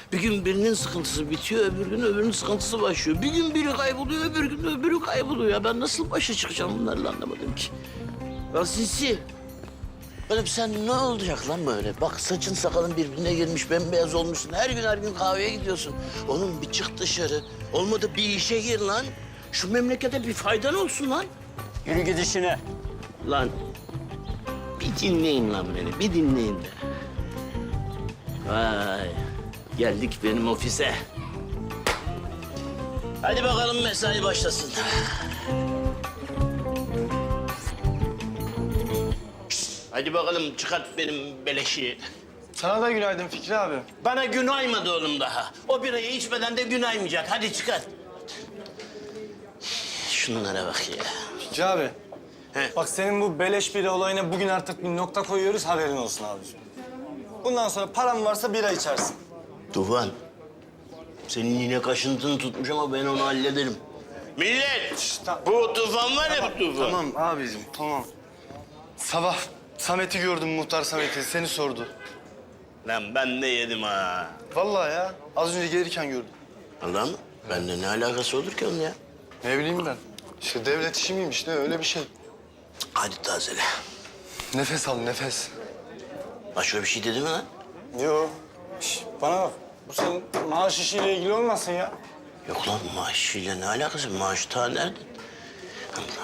Bir gün birinin sıkıntısı bitiyor, öbür gün öbürünün sıkıntısı başlıyor. Bir gün biri kayboluyor, öbür gün öbürü kayboluyor. Ya ben nasıl başa çıkacağım bunlarla anlamadım ki. Ya Sinsi, oğlum sen ne olacak lan böyle? Bak saçın sakalın birbirine girmiş, bembeyaz olmuşsun. Her gün kahveye gidiyorsun. Oğlum bir çık dışarı. Olmadı bir işe gir lan. Şu memlekete bir faydan olsun lan. Yürü git işine. Lan bir dinleyin lan beni, bir dinleyin be. Vay, geldik benim ofise. Hadi bakalım mesai başlasın. Hadi bakalım çıkart benim beleşi. Sana da günaydın Fikri abi. Bana gün aymadı oğlum daha. O birayı içmeden de gün aymayacak. Hadi çıkart. Şunlara bak ya. Fikri abi. He. Bak senin bu beleş bira olayına bugün artık bir nokta koyuyoruz, haberin olsun abiciğim. Bundan sonra paran varsa bira içersin. Tufan, senin yine kaşıntını tutmuş ama ben onu hallederim. Millet, bu Tufan var ya bu Tufan. Tamam abicim, tamam. Sabah Samet'i gördüm, muhtar Samet'i. Seni sordu. Lan ben de yedim ha. Vallahi ya, az önce gelirken gördüm. Allah mı? Bende ne alakası olur ki onun ya? Ne bileyim ben. İşte devlet işi miymiş ne, öyle bir şey. Hadi tazele. Nefes al, nefes. Başka bir şey dedi mi lan? Yo. Bana bak, bu senin maaş işiyle ilgili olmasın ya. Yok lan maaşıyla ne alakası? Maaş ta nerede? Allah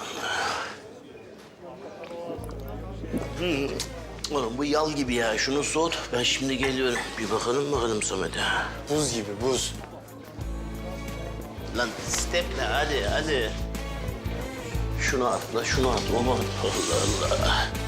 Allah. Oğlum bu yal gibi ya. Şunu soğut. Ben şimdi geliyorum. Bir bakalım Samet'e. Buz gibi, buz. Lan steple hadi. Şunu atla. Aman Allah Allah.